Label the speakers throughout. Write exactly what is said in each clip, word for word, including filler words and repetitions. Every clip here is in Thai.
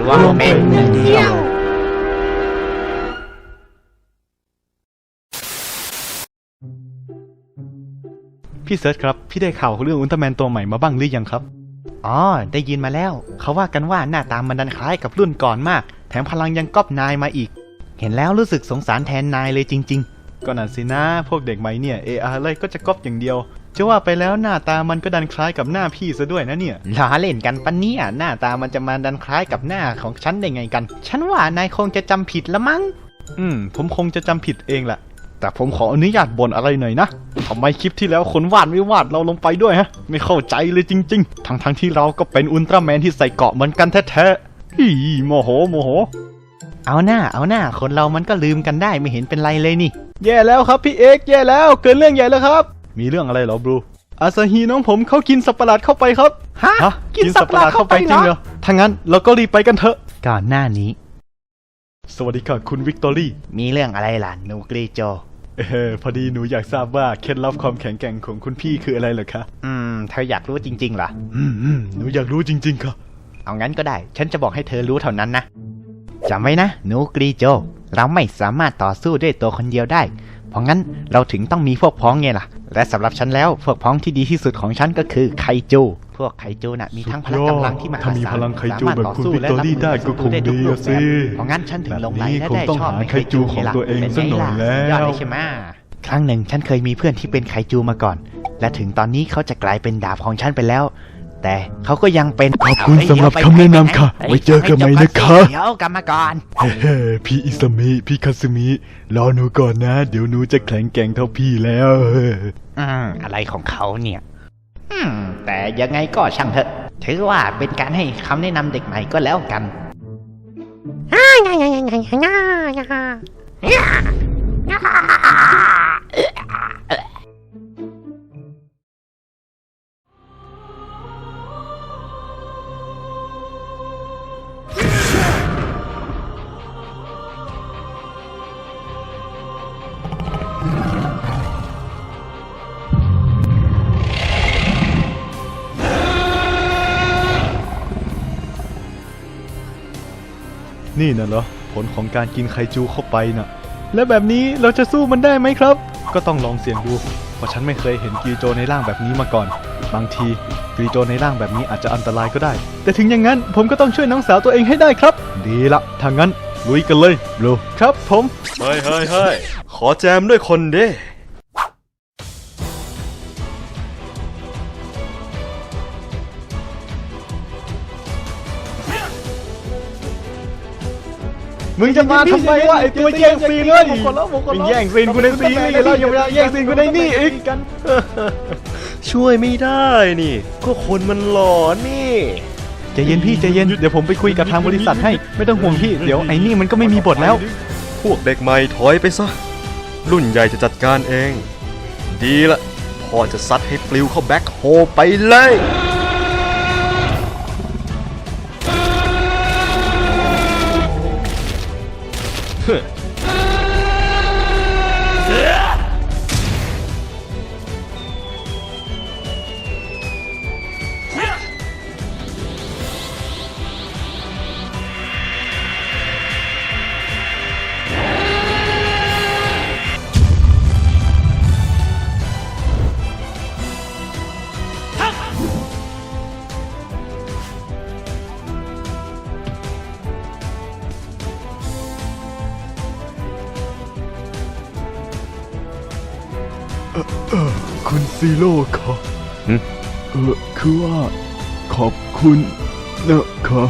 Speaker 1: รวมเป็นหนึ่งเดียว
Speaker 2: พี่เซิร์ชครับพี่ได้ข่าวเรื่องอุลตร้าแมนตัวใหม่มาบ้างหรือยังครับอ๋อได้ยินมาแล้วเขาว่ากันว่าหน้าตามันดันคล้ายกับรุ่นก่อนมากแถมพลังยังก๊อปนายมาอีกเห็นแล้วรู้สึกสงสารแทนนายเลยจริงๆก็นั่นสินะพวกเด็กใหม่เนี่ยเอออะไรก็จะก๊อปอย่างเดียวจะว่าไปแล้วหน้าตามันก็ดันคล้ายกับหน้าพี่ซะด้วยนะเนี่ยล้อเล่นกันปะเนี่ยหน้าตามันจะมาดันคล้ายกับหน้าของฉันได้ไงกันฉันว่านายคงจะจำผิดละมั้งอืมผมคงจะจำผิดเองแหละแต่ผมขออนุญาตบ่นอะไรหน่อยนะทำไมคลิปที่แล้วคนวาดไม่วาดเราลงไปด้วยฮะไม่เข้าใจเลยจริงๆทั้งทั้งที่เราก็เป็นอุลตร้าแมนที่ใส่เกราะเหมือนกันแท้ๆฮีโมโหโมโหเอาหน้าเอาหน้าคนเรามันก็ลืมกันได้ไม่เห็นเป็นไรเลยนี่แย่แล้วครับพี่เอกแย่แล้วเกินเรื่องใหญ่แล้วครับมีเรื่องอะไรเหรอบรูอาซาฮีน้องผมเขากินสัตว์ประหลาดเข้าไปครับฮะกินสัตว์ประหลาดเข้าไปจริงเหรอถ้างั้นเราก็รีบไปกันเถอะก่อนหน้านี้สวัสดีค่ะคุณวิกตอรี่มีเรื่องอะไรล่ะนูกรีโจเออพอดีหนูอยากทราบว่าเคล็ดลับความแข็งแกร่งของคุณพี่คืออะไรเหรอคะอืมเธออยากรู้จริงๆเหรออืมอืมหนูอยากรู้จริงๆค่ะเอางั้นก็ได้ฉันจะบอกให้เธอรู้เท่านั้นนะจำไว้นะนูกรีโจเราไม่สามารถต่อสู้ด้วยตัวคนเดียวได้เพราะงั้นเราถึงต้องมีพวกพ้องไงล่ะและสำหรับฉันแล้วพวกพ้องที่ดีที่สุดของฉันก็คือไคจูพวกไคจูน่ะมีทั้งพละกำลังที่มหาศาลสามารถต่อสู้และรับมือศัตรูได้ทุกรูปแบบเพราะงั้นฉันถึงลงไหลและได้ชอบในไคจูของตัวเองเป็นไงล่ะยอดเลยใช่ไหมครั้งหนึ่งฉันเคยมีเพื่อนที่เป็นไคจูมาก่อนและถึงตอนนี้เขาจะกลายเป็นดาบของฉันไปแล้วแต่เขาก็ยังเป็น
Speaker 3: ขอบคุณสำหรับคำแนะนำค่ะไว้เจอกันใหม่นะคะ
Speaker 1: เดี๋ยวกลับมาก่อน
Speaker 3: เฮ้พี่อิซามิพี่คาซึมิรอหนูก่อนนะเดี๋ยวหนูจะแข็งแกร่งเท่าพี่แล้ว
Speaker 1: อืมอะไรของเขาเนี่ยอืมแต่ยังไงก็ช่างเถอะถือว่าเป็นการให้คำแนะนำเด็กใหม่ก็แล้วกัน
Speaker 2: นี่น่ะเหรอผลของการกินไคจูเข้าไปน่ะและแบบนี้เราจะสู้มันได้ไหมครับก็ต้องลองเสี่ยงดูเพราะฉันไม่เคยเห็นกีโจในร่างแบบนี้มาก่อนบางทีกีโจในร่างแบบนี้อาจจะอันตรายก็ได้แต่ถึงอย่างนั้นผมก็ต้องช่วยน้องสาวตัวเองให้ได้ครับดีละถ้างั้นลุยกันเลยบลูครับผม
Speaker 4: เฮ้ยเฮ้ยเฮ้ยขอแจมด้วยคนเด้
Speaker 2: มึงจะมาทำไมวะไอตัวแย่งซีนเลยมึงแย่งซีนกูในซีนี่แล้วยังมาแย่งซีนกูในนี่อีกกัน
Speaker 4: ช่วยไม่ได้นี่ก็คนมันหลอนนี่
Speaker 2: ใจเย็นพี่ใจเย็นเดี๋ยวผมไปคุยกับทางบริษัทให้ไม่ต้องห่วงพี่เดี๋ยวไอ้นี่มันก็ไม่มีบทแล้ว
Speaker 4: พวกเด็กใหม่ถอยไปซะรุ่นใหญ่จะจัดการเองดีละพ่อจะซัดให้ปลิวเข้าแบ็คโฮไปเลย
Speaker 3: เออเออคุณซีโร่ค่ะเออคือว่าขอบคุณนะคะ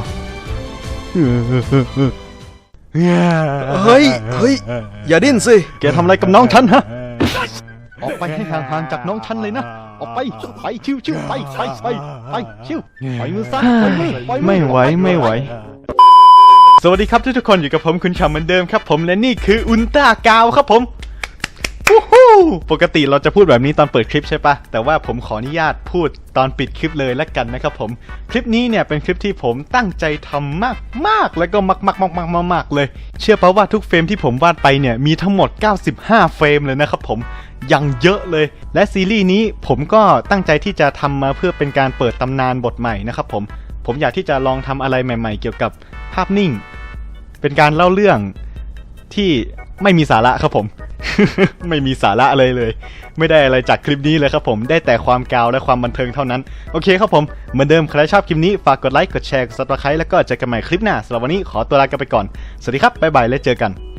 Speaker 4: เฮ้ยเฮ้ยอย่าดิ้นสิ
Speaker 2: แกทำอะไรกับน้องฉันฮะออกไปให้ห่างๆจากน้องฉันเลยนะออกไปไปชิวชิวไปไปไปไปชิวไปมือซ้ายไปมือไม่ไหวไม่ไหวสวัสดีครับทุกคนอยู่กับผมคุณชาเหมือนเดิมครับผมและนี่คืออุลตร้ากาวครับผมปกติเราจะพูดแบบนี้ตอนเปิดคลิปใช่ปะแต่ว่าผมขออนุญาตพูดตอนปิดคลิปเลยละกันนะครับผมคลิปนี้เนี่ยเป็นคลิปที่ผมตั้งใจทำมากมากแล้วก็มากมากมากมากมากเลยเชื่อป่ะว่าทุกเฟรมที่ผมวาดไปเนี่ยมีทั้งหมดเก้าสิบห้าเฟรมเลยนะครับผมยังเยอะเลยและซีรีส์นี้ผมก็ตั้งใจที่จะทำมาเพื่อเป็นการเปิดตำนานบทใหม่นะครับผมผมอยากที่จะลองทำอะไรใหม่ๆเกี่ยวกับภาพนิ่ง เป็นการเล่าเรื่องที่ไม่มีสาระครับผม ไม่มีสาระเลยเลย ไม่ได้อะไรจากคลิปนี้เลยครับผมได้แต่ความกาวและความบันเทิงเท่านั้นโอเคครับผมเหมือนเดิมใครชอบคลิปนี้ฝากกดไลค์กดแชร์กด ซับสไครบ์ แล้วก็เจอกันใหม่คลิปหน้าสำหรับวันนี้ขอตัวลากันไปก่อนสวัสดีครับบ๊ายบายและเจอกัน